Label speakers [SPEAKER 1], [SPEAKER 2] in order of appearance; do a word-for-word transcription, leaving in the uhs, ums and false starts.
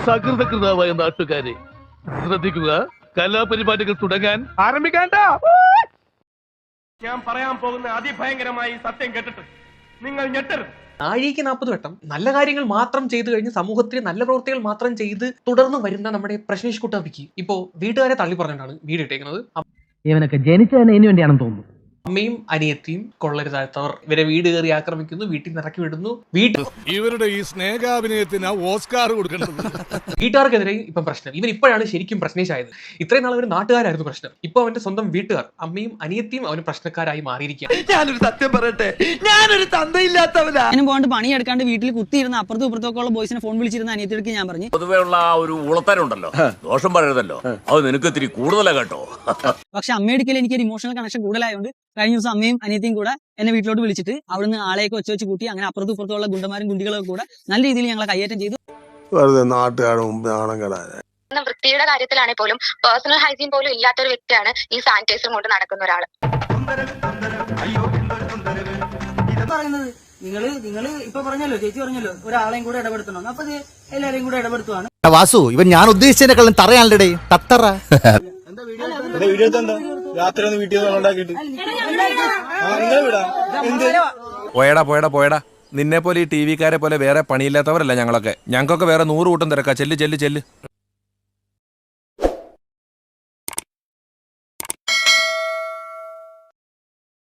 [SPEAKER 1] സകൃതകൃതാവായ നാട്ടുകാരെ ശ്രദ്ധിക്കുക, കലാപരിപാടികൾ തുടങ്ങാൻ ആരംഭിക്കാണ്ട.
[SPEAKER 2] ഞാൻ പറയാൻ പോകുന്ന അതിഭയങ്കരമായി സത്യം കേട്ടിട്ട് നിങ്ങൾ ഞെട്ടരുത്.
[SPEAKER 3] നാഴികയ്ക്ക് നാൽപ്പത് വട്ടം നല്ല കാര്യങ്ങൾ മാത്രം ചെയ്തു കഴിഞ്ഞ് സമൂഹത്തിൽ നല്ല പ്രവൃത്തികൾ മാത്രം ചെയ്ത് തുടർന്ന് വരുന്ന നമ്മുടെ പ്രശ്നേഷ് കുട്ടാപ്പിക്ക് ഇപ്പോ വീട്ടുകാരെ തള്ളി പറഞ്ഞിട്ടാണ് വീട് ഇട്ടേക്കുന്നത്.
[SPEAKER 4] ഇവനൊക്കെ ജനിച്ചതിന് ഇതിനു വേണ്ടിയാണെന്ന് തോന്നുന്നു.
[SPEAKER 3] അമ്മയും അനിയത്തിയും കൊള്ളരുതാത്തവർ ഇവരെ വീട് കയറി ആക്രമിക്കുന്നു, വീട്ടിൽ നിന്ന് ഇറക്കി വിടുന്നു. വീട്ടിൽ
[SPEAKER 5] ഇവരുടെ ഈ സ്നേഹാഭിനയത്തിന് ഓസ്കാർ കൊടുക്കേണ്ടത്.
[SPEAKER 3] വീട്ടുകാർക്കെതിരെ ഇപ്പം പ്രശ്നം. ഇവൻ ഇപ്പോഴാണ് ശരിക്കും പ്രശ്നേഷായത്. ഇത്രയും നാൾ ഒരു നാട്ടുകാരായിരുന്നു പ്രശ്നം. ഇപ്പൊ അവന്റെ സ്വന്തം വീട്ടുകാർ അമ്മയും അനിയത്തിയും അവന് പ്രശ്നക്കാരായി മാറിയിരിക്കുകയാണ്.
[SPEAKER 6] ഞാനൊരു സത്യം പറയട്ടെ, ഞാനൊരു തന്തയില്ലാത്തവനാ.
[SPEAKER 7] അതിന് പോകാണ്ട് പണിയെടുക്കാണ്ട് വീട്ടിൽ കുത്തിയിരുന്ന അപ്പുറത്തും ഇപ്പുറത്തൊക്കെ ഉള്ള ബോയ്സിനെ ഫോൺ വിളിച്ചിരുന്ന അനിയത്തിക്ക് ഞാൻ പറഞ്ഞു,
[SPEAKER 8] പൊതുവേ ഉള്ള ആ ഒരു ഉളത്തരുണ്ടല്ലോ, ദോഷം പറയരുതല്ലോ, അത് നിനക്ക് ഇത്തിരി കൂടുതലാ കേട്ടോ.
[SPEAKER 7] പക്ഷെ അമ്മയെടുക്കൽ എനിക്ക് ഒരു ഇമോഷണൽ കണക്ഷൻ കൂടുതലായതുകൊണ്ട് കഴിഞ്ഞ ദിവസം അമ്മയും അനിയത്തിയും കൂടെ എന്നെ വീട്ടിലോട്ട് വിളിച്ചിട്ട് അവിടുന്ന് ആളെയൊക്കെ ഒച്ച വെച്ച് കൂട്ടി അങ്ങനെ അപ്പുറത്തും ഇപ്പുറത്തുള്ള ഗുണ്ടന്മാരും ഗുണ്ടികളൊക്കെ കൂടെ നല്ല രീതിയിൽ ഞങ്ങളെ കൈയേറ്റം ചെയ്തു.
[SPEAKER 9] വൃത്തിയുടെ കാര്യത്തിലാണെങ്കിൽ പോലും പേഴ്സണൽ ഹൈജീൻ പോലും ഇല്ലാത്ത ഒരു വ്യക്തിയാണ് ഈ സാനിറ്റൈസർ കൊണ്ട് നടക്കുന്ന ഒരാൾ.
[SPEAKER 7] പറയുന്നത് നിങ്ങള് നിങ്ങള് ഇപ്പൊ പറഞ്ഞല്ലോ, ചേച്ചി പറഞ്ഞല്ലോ ഒരാളെയും കൂടെ ഇടപെടുത്തണം. അപ്പൊ എല്ലാരെയും കൂടെ ഇടപെടുത്തുവാണ്.
[SPEAKER 6] വാസു, ഇവൻ ഞാൻ ഉദ്ദേശിച്ചതിനെക്കാളും തറയാണല്ലേ തത്തറ.
[SPEAKER 10] പോയടാ പോയടാ പോയടാ. നിന്നെ പോലെ ഈ ടി വിക്കാരെ പോലെ വേറെ പണിയില്ലാത്തവരല്ല ഞങ്ങളൊക്കെ. ഞങ്ങൾക്കൊക്കെ വേറെ നൂറ് കൂട്ടം തിരക്കാ. ചെല്ല് ചെല്ല് ചെല്ല്.